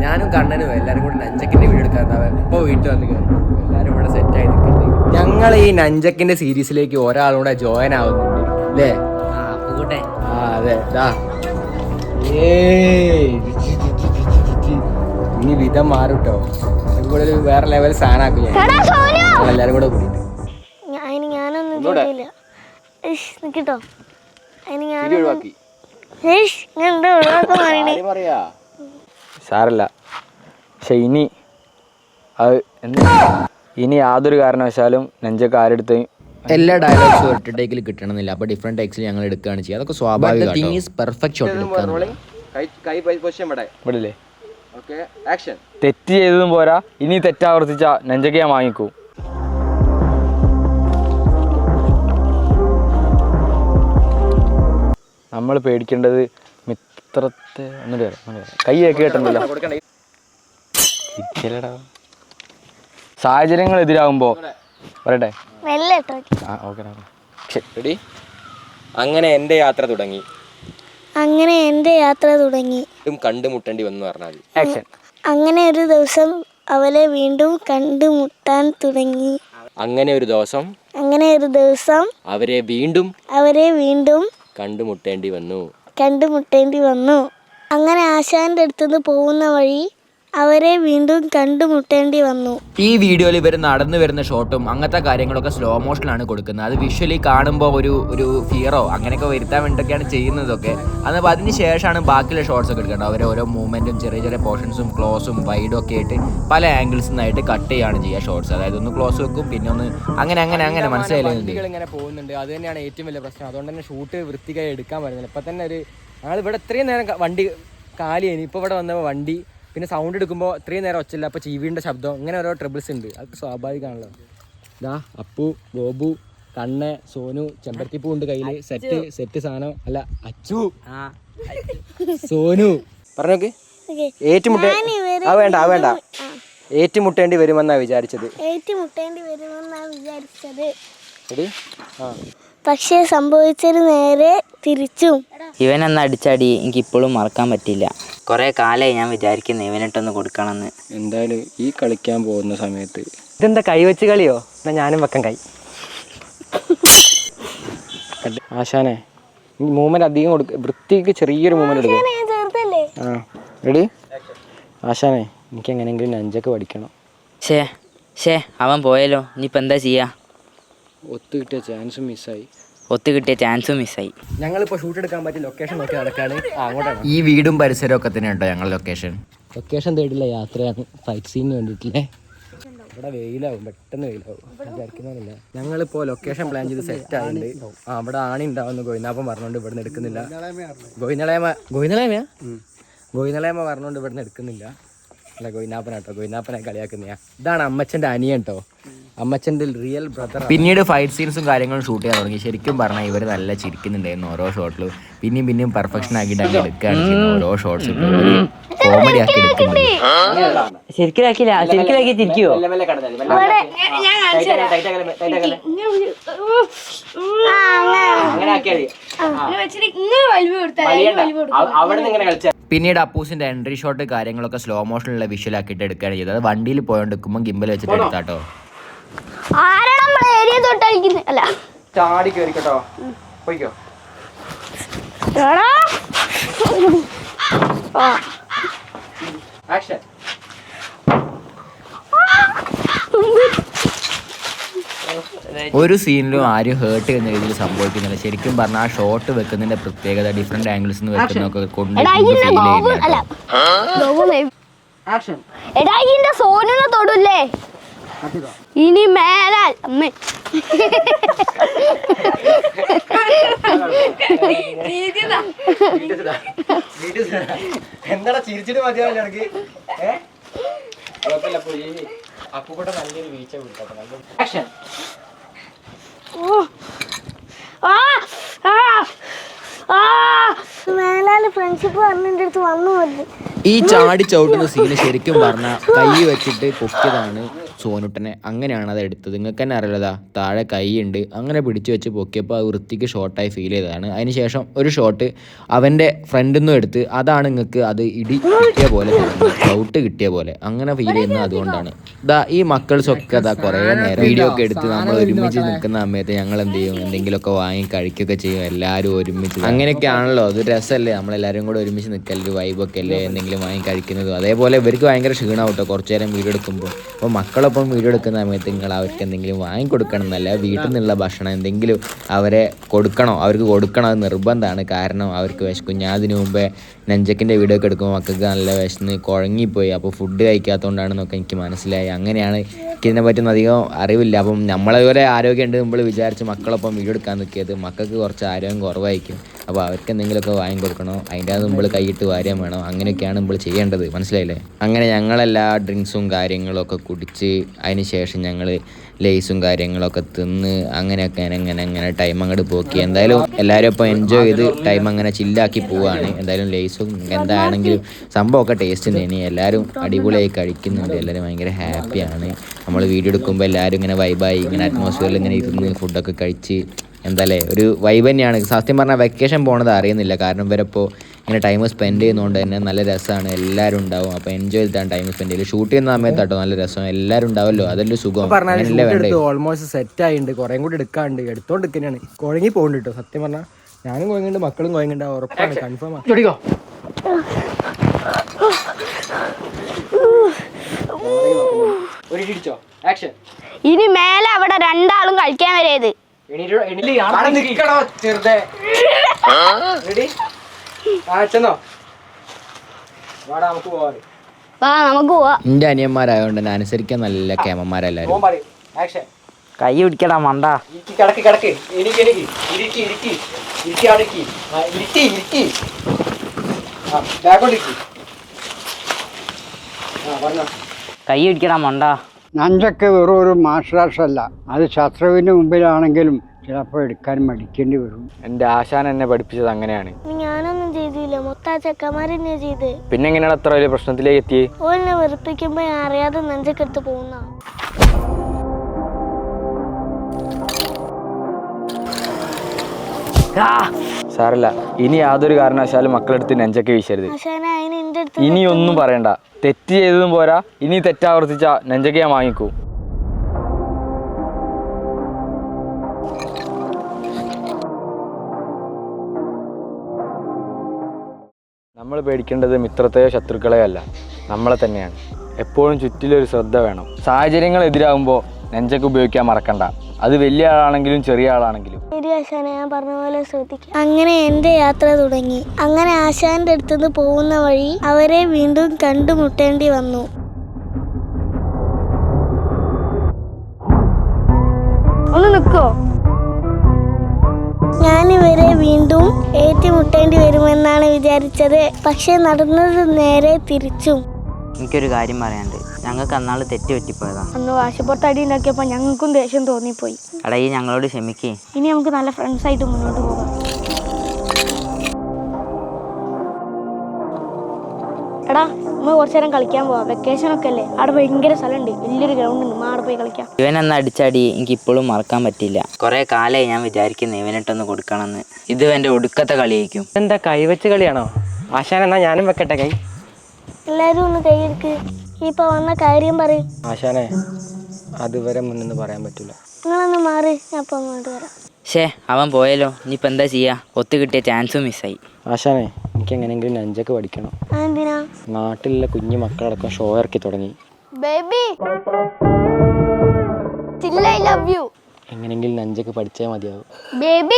ഞാനും കണ്ണനും എല്ലാവരും കൂടെ നഞ്ചക്കിന്റെ വീഡിയോ എടുക്കാറുണ്ടാവും. ഇപ്പോൾ വീട്ടിൽ വന്ന് എല്ലാവരും ഇവിടെ സെറ്റായി നിൽക്കുന്നുണ്ട്. ഞങ്ങൾ ഈ നഞ്ചക്കിന്റെ സീരീസിലേക്ക് ഒരാളൂടെ ജോയിൻ ആവുന്നുണ്ട് അല്ലേ? ആ അതെ. ഇനി വിധം മാറുട്ടോ. ഇവിടെ ഒരു വേറെ ലെവൽ സാധനമാക്കും ഞാൻ എല്ലാവരും കൂടെ കൂടിയിട്ട്. കേട്ടോ സാരല്ല. പക്ഷെ ഇനി യാതൊരു കാരണവശാലും നെഞ്ചൊക്കെ ആരെടുത്ത് എല്ലാ ഡയലോഗ്സും ഒറ്റ ടേക്കിൽ കിട്ടണമെന്നില്ല. അപ്പോൾ ഡിഫറെൻറ്റ് ടേക്സിൽ ഞങ്ങൾ എടുക്കുകയാണ് ചെയ്യുക. അതൊക്കെ സ്വാഭാവികമാണ്. പെർഫെക്റ്റ് ഷോട്ട് ഇവിടില്ലേ? തെറ്റ് ചെയ്തതും പോരാ, ഇനി തെറ്റാവർത്തിച്ച നെഞ്ചൊക്കെ ഞാൻ വാങ്ങിക്കൂ. നമ്മൾ പേടിക്കേണ്ടത് മിത്രത്തെ കൈ കേക്ക് കേട്ടല്ലോ. സാഹചര്യങ്ങൾ എതിരാകുമ്പോ പറയട്ടെ. അങ്ങനെ എൻ്റെ യാത്ര തുടങ്ങി. കണ്ടുമുട്ടേണ്ടി വന്നു പറഞ്ഞാൽ അങ്ങനെ ഒരു ദിവസം അവരെ വീണ്ടും കണ്ടുമുട്ടാൻ തുടങ്ങി. അങ്ങനെ ഒരു ദിവസം അവരെ വീണ്ടും കണ്ടുമുട്ടേണ്ടി വന്നു. അങ്ങനെ ആശാന്റെ അടുത്തുനിന്ന് പോകുന്ന വഴി അവരെ വീണ്ടും കണ്ടുമുട്ടേണ്ടി വന്നു. ഈ വീഡിയോയിൽ ഇവർ നടന്നു വരുന്ന ഷോട്ടും അങ്ങനത്തെ കാര്യങ്ങളൊക്കെ സ്ലോ മോഷനിലാണ് കൊടുക്കുന്നത്. അത് വിഷ്വലി കാണുമ്പോൾ ഒരു ഫിയറോ അങ്ങനെയൊക്കെ വരുത്താൻ വേണ്ടിയിട്ടൊക്കെയാണ് ചെയ്യുന്നതൊക്കെ. അപ്പോൾ അതിന് ശേഷമാണ് ബാക്കിയുള്ള ഷോട്ട്സ് ഒക്കെ എടുക്കേണ്ടത്. അവരെ ഓരോ മൂവ്മെൻറ്റും ചെറിയ ചെറിയ പോർഷൻസും ക്ലോസും വൈഡും ഒക്കെ ആയിട്ട് പല ആംഗിൾസിൽ നിന്നായിട്ട് കട്ട് ചെയ്യുകയാണ് ചെയ്യുക ഷോട്ട്സ്. അതായത് ഒന്ന് ക്ലോസ് വെക്കും, പിന്നെ ഒന്ന് അങ്ങനെ മനസ്സിലായില്ല. ഇങ്ങനെ പോകുന്നുണ്ട്, അത് തന്നെയാണ് ഏറ്റവും വലിയ പ്രശ്നം. അതുകൊണ്ട് തന്നെ ഷൂട്ട് വൃത്തിക്കായി എടുക്കാൻ പറ്റുന്നില്ല. ഇപ്പം തന്നെ ഞങ്ങൾ ഇവിടെ ഇത്രയും നേരം വണ്ടി കാലിയേനി, ഇപ്പോൾ ഇവിടെ വന്നപ്പോൾ വണ്ടി പിന്നെ സൗണ്ട് എടുക്കുമ്പോൾ ഇത്രയും നേരം ഒച്ചയില്ല. അപ്പോൾ ചീവീൻ്റെ ശബ്ദം, ഇങ്ങനെ ഓരോ ട്രബിൾസ് ഉണ്ട്. അതൊക്കെ സ്വാഭാവികമാണല്ലോ. അപ്പു, ഗോപു, കണ്ണ, സോനു, ചെമ്പരത്തിപ്പൂ ഉണ്ട് കയ്യിൽ. സെറ്റ് സാധനം അല്ല, അച്ചു, സോനു പറഞ്ഞോക്ക്. വേണ്ട ഏറ്റുമുട്ടേണ്ടി വരുമെന്നാ വിചാരിച്ചത്. പക്ഷേ സംഭവിച്ചത് നേരെ തിരിച്ചും. ഇവനെന്ന് അടിച്ചടി എനിക്ക് ഇപ്പോഴും മറക്കാൻ പറ്റില്ല. കുറേ കാലമായി ഞാൻ വിചാരിക്കുന്നു ഇവനിട്ടൊന്ന് കൊടുക്കണമെന്ന്. എന്തായാലും ഈ കളിക്കാൻ പോകുന്ന സമയത്ത് ഇതെന്താ കൈ വെച്ച് കളിയോ? എന്നാ ഞാനും വെക്കാൻ കൈ. ആശാനെ ഈ മൂവ്മെന്റ് അധികം കൊടുക്കുക, വൃത്തിക്ക് ചെറിയൊരു മൂവ്മെന്റ് എടുക്കുക. റെഡി? ആശാനെ എനിക്ക് എങ്ങനെയെങ്കിലും നഞ്ചൊക്കെ പഠിക്കണം. അവൻ പോയല്ലോ, ഇനിയിപ്പോൾ എന്താ ചെയ്യാ? ഒത്തു കിട്ടിയ ചാൻസും മിസ്സായി. ഞങ്ങളിപ്പോൾ ഷൂട്ട് എടുക്കാൻ പറ്റിയ ലൊക്കേഷൻ നോക്കി നടക്കാണ്. അങ്ങോട്ടാണ് ഈ വീടും പരിസരവും ഒക്കെ തന്നെ ഉണ്ടോ ഞങ്ങൾ ലൊക്കേഷൻ തേടില്ല യാത്രയാണ്. ഫൈറ്റ് സീനിന് വേണ്ടിയിട്ടില്ലേ? ഇവിടെ വെയിലാവും, പെട്ടെന്ന് വെയിലാവും വിചാരിക്കുന്നില്ല. ഞങ്ങളിപ്പോൾ ലൊക്കേഷൻ പ്ലാൻ ചെയ്ത് സെറ്റ് ആയിട്ടുണ്ട്. അവിടെ ആണി ഉണ്ടാവുന്ന ഗോയിനാപ്പൻ പറഞ്ഞുകൊണ്ട് ഇവിടുന്ന് എടുക്കുന്നില്ല. ഗോയിനളേമ പറഞ്ഞുകൊണ്ട് ഇവിടുന്ന് എടുക്കുന്നില്ല. അല്ല ഗോയിനാപ്പനാട്ടോ, ഗോയിനാപ്പനെ കളിയാക്കുന്ന. ഇതാണ് അമ്മച്ചൻ്റെ അനിയൻ കേട്ടോ, അമ്മച്ചൻ്റെ റിയൽ ബ്രദർ. പിന്നീട് ഫൈറ്റ് സീൻസും കാര്യങ്ങളും ഷൂട്ട് ചെയ്യാൻ തുടങ്ങി. ശരിക്കും പറഞ്ഞാൽ ഇവർ നല്ല ചിരിക്കുന്നുണ്ടായിരുന്നു ഓരോ ഷോട്ടിലും. പിന്നെയും പെർഫെക്ഷൻ ആക്കിയിട്ട് അങ്ങനെ എടുക്കുകയാണ് ചെയ്യുന്നത്. ഓരോ ഷോട്ട്സ് കോമഡി ആക്കി എടുക്കുന്നുണ്ട്. ശരിക്കും ചിരിക്കുവോ? പിന്നീട് അപ്പൂസിന്റെ എൻട്രി ഷോട്ട് കാര്യങ്ങളൊക്കെ സ്ലോ മോഷനിലുള്ള വിഷ്വൽ ആക്കിയിട്ട് എടുക്കുകയാണ് ചെയ്തത്. അത് വണ്ടിയിൽ പോയോണ്ടിരിക്കുമ്പോൾ ഗിംബൽ വെച്ചിട്ട് എടുത്താട്ടോ. ചാടി കേറിക്കട്ടോ, പോയിക്കോ. ആക്ഷൻ. ഒരു സീനിലും ആരും ഹേർട്ട് ചെയ്യുന്ന രീതിയിൽ സംഭവിക്കുന്നില്ല. ശരിക്കും പറഞ്ഞാൽ ആ ഷോട്ട് വെക്കുന്നതിന്റെ പ്രത്യേകത ഡിഫറെന്റ് ആംഗിൾസ് നിന്ന് വെക്കുന്നൊക്കെ കൊണ്ട് സോനിനെ തൊടൂല്ലേ ഇനി മേലാൽ. എന്താ ചിരിച്ചിട്ട് മതിയാവില്ല എനിക്ക്. അപ്പൂടെ നല്ലൊരു വീഴ്ച കൊടുക്കാം. ആക്ഷൻ. മേലാല് ഫ്രണ്ട്ഷിപ്പ് പറഞ്ഞിട്ട് അടുത്ത് വന്നു. ഈ ചാടി ചവിട്ടുന്ന സീന് ശരിക്കും പറഞ്ഞാൽ കൈ വെച്ചിട്ട് പൊക്കിയതാണ്. സോനുട്ടനെ. അങ്ങനെയാണ് അത് എടുത്തത്. നിങ്ങൾക്ക് തന്നെ അറിയില്ലതാ താഴെ കൈയുണ്ട്. അങ്ങനെ പിടിച്ചു വെച്ച് പൊക്കിയപ്പോൾ അത് വൃത്തിക്ക് ഷോട്ടായി ഫീൽ ചെയ്തതാണ്. അതിനുശേഷം ഒരു ഷോട്ട് അവൻ്റെ ഫ്രണ്ടിൽ നിന്നും എടുത്ത് അതാണ് നിങ്ങൾക്ക് അത് ഇടി കിട്ടിയ പോലെ ഷൗട്ട് കിട്ടിയ പോലെ അങ്ങനെ ഫീൽ ചെയ്യുന്നത്. അതുകൊണ്ടാണ് ഈ മക്കൾസൊക്കെ കുറേ നേരം വീഡിയോ ഒക്കെ എടുത്ത് നമ്മൾ ഒരുമിച്ച് നിൽക്കുന്ന സമയത്ത് ഞങ്ങൾ എന്ത് ചെയ്യും, എന്തെങ്കിലുമൊക്കെ വാങ്ങി കഴിക്കുകയൊക്കെ ചെയ്യും എല്ലാവരും ഒരുമിച്ച്. അങ്ങനെയൊക്കെയാണല്ലോ, അത് രസമല്ലേ നമ്മളെല്ലാവരും കൂടെ ഒരുമിച്ച് നിൽക്കൽ, ഒരു വൈബൊക്കെ അല്ലേ എന്തെങ്കിലും വാങ്ങി കഴിക്കുന്നതും. അതേപോലെ ഇവർക്ക് ഭയങ്കര ക്ഷീണമാവും കേട്ടോ കുറച്ച് നേരം വീഡിയോ എടുക്കുമ്പോൾ. അപ്പോൾ മക്കളൊപ്പം വീഡിയോ എടുക്കുന്ന സമയത്ത് നിങ്ങൾ അവർക്ക് എന്തെങ്കിലും വാങ്ങിക്കൊടുക്കണം എന്നല്ല, വീട്ടിൽ നിന്നുള്ള ഭക്ഷണം എന്തെങ്കിലും അവരെ കൊടുക്കണോ, അവർക്ക് കൊടുക്കണം, അത് നിർബന്ധമാണ്. കാരണം അവർക്ക് വിശക്കും. ഞാൻ അതിന് മുമ്പേ നെഞ്ചക്കിൻ്റെ വീഡിയോ ഒക്കെ എടുക്കുമ്പോൾ മക്കൾക്ക് നല്ല വിശന്ന് കുഴങ്ങിപ്പോയി. അപ്പോൾ ഫുഡ് കഴിക്കാത്തതുകൊണ്ടാണെന്നൊക്കെ എനിക്ക് മനസ്സിലായി. അങ്ങനെയാണ്, എനിക്കിതിനെ പറ്റുന്ന അധികം അറിവില്ല. അപ്പം നമ്മളതുപോലെ ആരോഗ്യം ഉണ്ട് നമ്മൾ വിചാരിച്ച് മക്കളൊപ്പം വീഡിയോ എടുക്കാൻ നിൽക്കിയത് മക്കൾക്ക് കുറച്ച് ആരോഗ്യം കുറവായിരിക്കും. അപ്പോൾ അവർക്ക് എന്തെങ്കിലുമൊക്കെ വാങ്ങി കൊടുക്കണോ, അതിൻ്റെ അത് നമ്മൾ കൈയിട്ട് വാര്യം വേണം. അങ്ങനെയൊക്കെയാണ് നമ്മൾ ചെയ്യേണ്ടത്, മനസ്സിലായില്ലേ? അങ്ങനെ ഞങ്ങളെല്ലാ ഡ്രിങ്ക്സും കാര്യങ്ങളൊക്കെ കുടിച്ച് അതിന് ശേഷം ഞങ്ങൾ ലേസും കാര്യങ്ങളൊക്കെ തിന്ന് അങ്ങനെയൊക്കെ അങ്ങനെ ടൈം അങ്ങോട്ട് പോക്കി. എന്തായാലും എല്ലാവരും ഇപ്പോൾ എൻജോയ് ചെയ്ത് ടൈം അങ്ങനെ ചില്ലാക്കി പോവുകയാണ്. എന്തായാലും ലേസും എന്താണെങ്കിലും സംഭവമൊക്കെ ടേസ്റ്റ് തന്നെയാണ്. എല്ലാവരും അടിപൊളിയായി കഴിക്കുന്നുണ്ട്. എല്ലാവരും ഭയങ്കര ഹാപ്പിയാണ്. നമ്മൾ വീഡിയോ എടുക്കുമ്പോൾ എല്ലാവരും ഇങ്ങനെ വൈബായി ഇങ്ങനെ അറ്റ്മോസ്ഫിയറിൽ ഇങ്ങനെ ഇരുന്ന് ഫുഡൊക്കെ കഴിച്ച് എന്തായാലേ ഒരു വൈബ് തന്നെയാണ്. സത്യം പറഞ്ഞാൽ വെക്കേഷൻ പോണത് അറിയുന്നില്ല. കാരണം ഇവരപ്പോൾ ഇങ്ങനെ ടൈം സ്പെൻഡ് ചെയ്യുന്നതുകൊണ്ട് തന്നെ നല്ല രസമാണ്. എല്ലാവരും ഉണ്ടാവും. അപ്പോൾ എൻജോയ് ചെയ്തിട്ടാണ് ടൈം സ്പെൻഡ് ചെയ്യല്. ഷൂട്ട് ചെയ്യുന്ന സമയത്താട്ടോ നല്ല രസം. എല്ലാവരും ഉണ്ടാവല്ലോ, അതെല്ലാം സുഖം. ഓൾമോസ്റ്റ് സെറ്റ് ആയിട്ടുണ്ട്. കുറേ കൂടി എടുക്കാണ്ട് എടുത്തോണ്ട് തന്നെയാണ്. കുഴങ്ങി പോകുന്നുണ്ട് കേട്ടോ. സത്യം പറഞ്ഞാൽ ഞാനും കുഴങ്ങുന്നുണ്ട്, മക്കളും കുഴങ്ങുന്നുണ്ട്. ഉറപ്പാണ്, കൺഫേം ആണ്. ഇനി മേലെ അവിടെ രണ്ടാളും കളിക്കാൻ വരേത്. നമുക്ക് പോവാ. എന്റെ അനിയന്മാരായതുകൊണ്ട് തന്നെ അനുസരിക്കാൻ നല്ല കേമന്മാരെല്ലാരും. കൈ പിടിക്കടാ മണ്ട. കൈ പിടിക്കടാ മണ്ട. നഞ്ചക്ക് വെറും ഒരു മാർഷൽ ആർട്സ് അല്ല, അത് ശത്രുവിൻ്റെ മുമ്പിലാണെങ്കിലും ചിലപ്പോൾ എടുക്കാൻ മടിക്കേണ്ടി വരും. എൻ്റെ ആശാൻ എന്നെ പഠിപ്പിച്ചത് അങ്ങനെയാണ്. ഞാനൊന്നും ചെയ്തില്ല, മൊത്തം ചെക്കന്മാരെന്നെ ചെയ്ത്. പിന്നെ എങ്ങനെയാണ് അത്ര വലിയ പ്രശ്നത്തിലേക്ക് എത്തി? ഓലിനെ വെറുപ്പിക്കുമ്പോ ഞാൻ അറിയാതെ നെഞ്ചക്കെടുത്ത് പോകുന്ന. സാരല്ല, ഇനി യാതൊരു കാരണവശാലും മക്കളെടുത്ത് നെഞ്ചൊക്കെ വീശരുത്. ഇനി ഒന്നും പറയണ്ട. തെറ്റ് ചെയ്തതും പോരാ, ഇനി തെറ്റാവർത്തിച്ച നെഞ്ചൊക്കെ ഞാൻ വാങ്ങിക്കൂ. നമ്മൾ പേടിക്കേണ്ടത് മിത്രത്തെയോ ശത്രുക്കളെയോ അല്ല, നമ്മളെ തന്നെയാണ്. എപ്പോഴും ചുറ്റിലൊരു ശ്രദ്ധ വേണം. സാഹചര്യങ്ങൾ എതിരാകുമ്പോൾ നെഞ്ചൊക്കെ ഉപയോഗിക്കാൻ മറക്കണ്ട. അത് വലിയ ആളാണെങ്കിലും ചെറിയ ആളാണെങ്കിലും. ഞാൻ പറഞ്ഞ പോലെ ശ്രദ്ധിക്കാം. അങ്ങനെ എന്റെ യാത്ര തുടങ്ങി. അങ്ങനെ ആശാന്റെ അടുത്തുനിന്ന് പോകുന്ന വഴി അവരെ വീണ്ടും കണ്ടുമുട്ടേണ്ടി വന്നു. ഒന്ന് നിൽക്കോ? ഞാനിവരെ വീണ്ടും ഏറ്റുമുട്ടേണ്ടി വരുമെന്നാണ് വിചാരിച്ചത്. പക്ഷെ നടന്നത് നേരെ തിരിച്ചും. എനിക്കൊരു കാര്യം പറയാനുണ്ട്. ഞങ്ങൾക്ക് അന്നാൾ തെറ്റ് പറ്റിപ്പോയതാ. അന്ന് വാശിപ്പുറത്തടി ഉണ്ടാക്കിയപ്പോ ഞങ്ങൾക്കും ദേഷ്യം തോന്നിപ്പോയി. എടാ ഈ ഞങ്ങളോട് ക്ഷമിക്കേ. ഇനി നമുക്ക് നല്ല ഫ്രണ്ട്സ് ആയിട്ട് മുന്നോട്ട് പോകാം. എടാ നമ്മൾ കുറച്ചു നേരം കളിക്കാൻ പോവാം. വെക്കേഷൻ ഒക്കെ അല്ലേ, അവിടെ ഭയങ്കര സ്ഥലമുണ്ട്, വലിയൊരു ഗ്രൗണ്ട് ഉണ്ട്. അവിടെ പോയി കളിക്കാം. ഇവനെന്ന അടിച്ചടി എനിക്ക് ഇപ്പോഴും മറക്കാൻ പറ്റില്ല. കുറെ കാലമായി ഞാൻ വിചാരിക്കുന്നു ഇവനിട്ടൊന്ന് കൊടുക്കണമെന്ന്. ഇത് എൻ്റെ ഒടുക്കത്തെ കളിയായിരിക്കും. എന്താ കൈവച്ച് കളിയാണോ? ആശാൻ എന്നാ ഞാനും വെക്കട്ടെ കൈ. എല്ലാരും ഒന്ന് കൈയെടുക്ക്. ഇപ്പൊ വന്ന കാര്യം പറയും. ആശാനെ അതുവരെ മുന്നൊന്നും പറയാൻ പറ്റില്ല. നിങ്ങളൊന്ന് മാറി, ഞാൻ ഇപ്പൊ അങ്ങോട്ട് വരാം. അവൻ പോയല്ലോ, ഇനിയിപ്പോൾ എന്താ ചെയ്യാ? ഒത്തു കിട്ടിയ ചാൻസും മിസ്സായി. ആശാനെ എനിക്ക് എങ്ങനെയെങ്കിലും നെഞ്ചൊക്കെ പഠിക്കണം. എന്തിനാ? നാട്ടിലുള്ള കുഞ്ഞു മക്കളടക്കം ഷോ ഇറക്കി തുടങ്ങി. Baby still I love you. എങ്ങനെയെങ്കിലും നെഞ്ചൊക്കെ പഠിച്ചാൽ മതിയാവും. ബേബി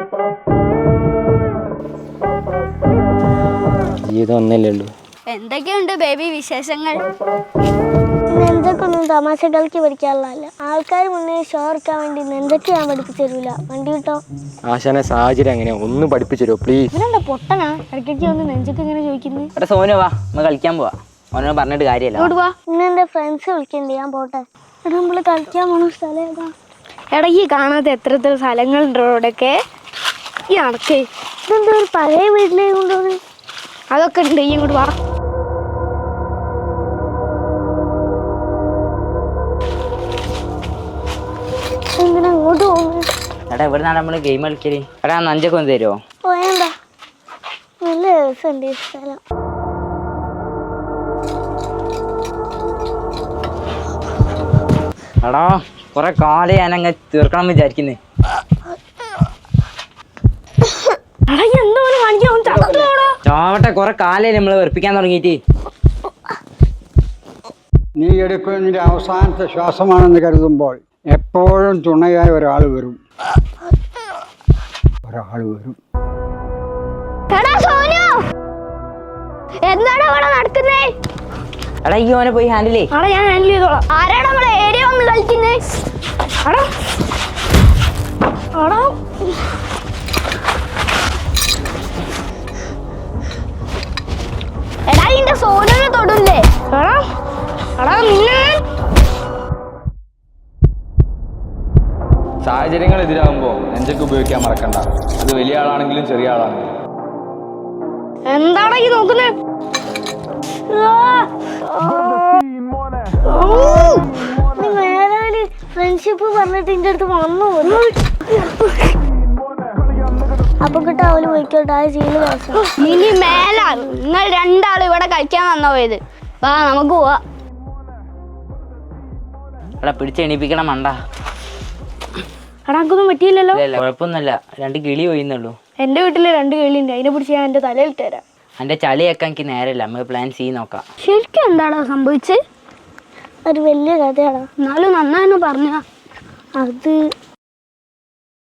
ജീവിതം ഒന്നല്ലേ ഉള്ളൂ. എന്തൊക്കെയുണ്ട് ബേബി വിശേഷങ്ങൾ? നെഞ്ചൊക്കെ ഒന്നും തമാശകൾക്ക് പഠിക്കാനുള്ളതല്ല. ആൾക്കാർ മുന്നേ ഷോ ഇറക്കാൻ വേണ്ടി നെഞ്ചൊക്കെ ഞാൻ പഠിപ്പിച്ചു തരൂല. വണ്ടി കിട്ടോ? ആശാനെ സാഹചര്യം എങ്ങനെയാ ഒന്ന് പഠിപ്പിച്ചു തരുമോ പ്ലീസ്? ഇവനെന്താ പൊട്ടനാ? ഇടയ്ക്കൊക്കെ ഒന്ന് നെഞ്ചൊക്കെ ഇങ്ങനെ ചോദിക്കുന്നത്. എടാ സോനു വാ, നമ്മൾ കളിക്കാൻ പോവാ. ഓനോട് പറഞ്ഞിട്ട് കാര്യമല്ല. ഇങ്ങോട്ട് വാ. ഇന്ന് എൻ്റെ ഫ്രണ്ട്സ് വിളിക്കണ്ടേ, ഞാൻ പോട്ടെ. എടാ നമ്മൾ കളിക്കാൻ പോണ സ്ഥലം ഏതാ? ഇടയ്ക്ക് കാണാത്ത എത്ര സ്ഥലങ്ങളുണ്ടോ ഇവിടെയൊക്കെ. ഈ നടക്കേ ഇതെന്താ ഒരു പഴയ വീട്ടിലേക്ക് കൊണ്ടുപോകുന്നത്? അതൊക്കെ ഉണ്ട്. ഈ ഇങ്ങോട്ട് വാ. എടാ എവിടുന്നാണ് നമ്മള് ഗെയിം കളിക്കല്? എടാ നഞ്ചൊക്കെ ഒന്ന് തരുമോ? വേണ്ട, നല്ല രസമുണ്ട് ഈ സ്ഥലം. എടാ കുറെ കാലം ഞാനങ്ങ് തീർക്കണം വിചാരിക്കുന്നേ. ചാവട്ടെ, കുറെ കാലം നമ്മള് വെറുപ്പിക്കാൻ തുടങ്ങിയിട്ട്. നീ എടുക്കുന്നതിൻ്റെ അവസാനത്തെ ശ്വാസമാണെന്ന് കരുതുമ്പോൾ എപ്പോഴും തുണയായി ഒരാൾ വരും. എന്താണ് ഇവിടെ നടക്കുന്നേ? എടാ ഈ ഓനെ പോയി ഹാൻഡിലേ. ഞാൻ ഹാൻഡിൽ ചെയ്തോളാം. ആരാണ് നമ്മളെ ഏരിയ വന്ന് കളിക്കുന്നേ? എടാ നിന്റെ സോനുവിനെ തൊടൂല്ലേ? സാഹചര്യങ്ങൾ എതിരാകുമ്പോൾ നെഞ്ചൊക്കെ ഉപയോഗിക്കാൻ മറക്കണ്ട. അത് വലിയ ആളാണെങ്കിലും ചെറിയ ആളാണെങ്കിലും. എന്താണ് ഈ നോക്കുന്നേ? ഫ്രണ്ട്ഷിപ്പ് പറഞ്ഞിട്ട് എന്റെ അടുത്ത് വന്നു അപ്പൊ കിട്ടാവല് പോയിക്കോട്ടെ. ഇനി മേലാണ് നിങ്ങൾ രണ്ടാളും ഇവിടെ കളിക്കാൻ വന്ന പോയത്. വാ നമുക്ക് പോവാ. എടാ പിടിച്ചെണീപ്പിക്കണം മണ്ട. അടാക്കൊന്നും പറ്റിയില്ലല്ലോ. കുഴപ്പമൊന്നുമില്ല, 2 കിളി പോയിന്നുള്ളൂ. എന്റെ വീട്ടില് 2 കിളിയുണ്ട്, അതിനെ പിടിച്ച് ഞാൻ എന്റെ തലയിൽ തരാം. എൻ്റെ ചളിയൊക്കെ എനിക്ക് നേരമില്ല, നമുക്ക് പ്ലാൻ ചെയ്ത് നോക്കാം. ശരിക്കും എന്താടാ സംഭവിച്ചത്? ഒരു വലിയ കഥയാടാ. എന്നാലും നന്നായിരുന്നു പറഞ്ഞ. അത്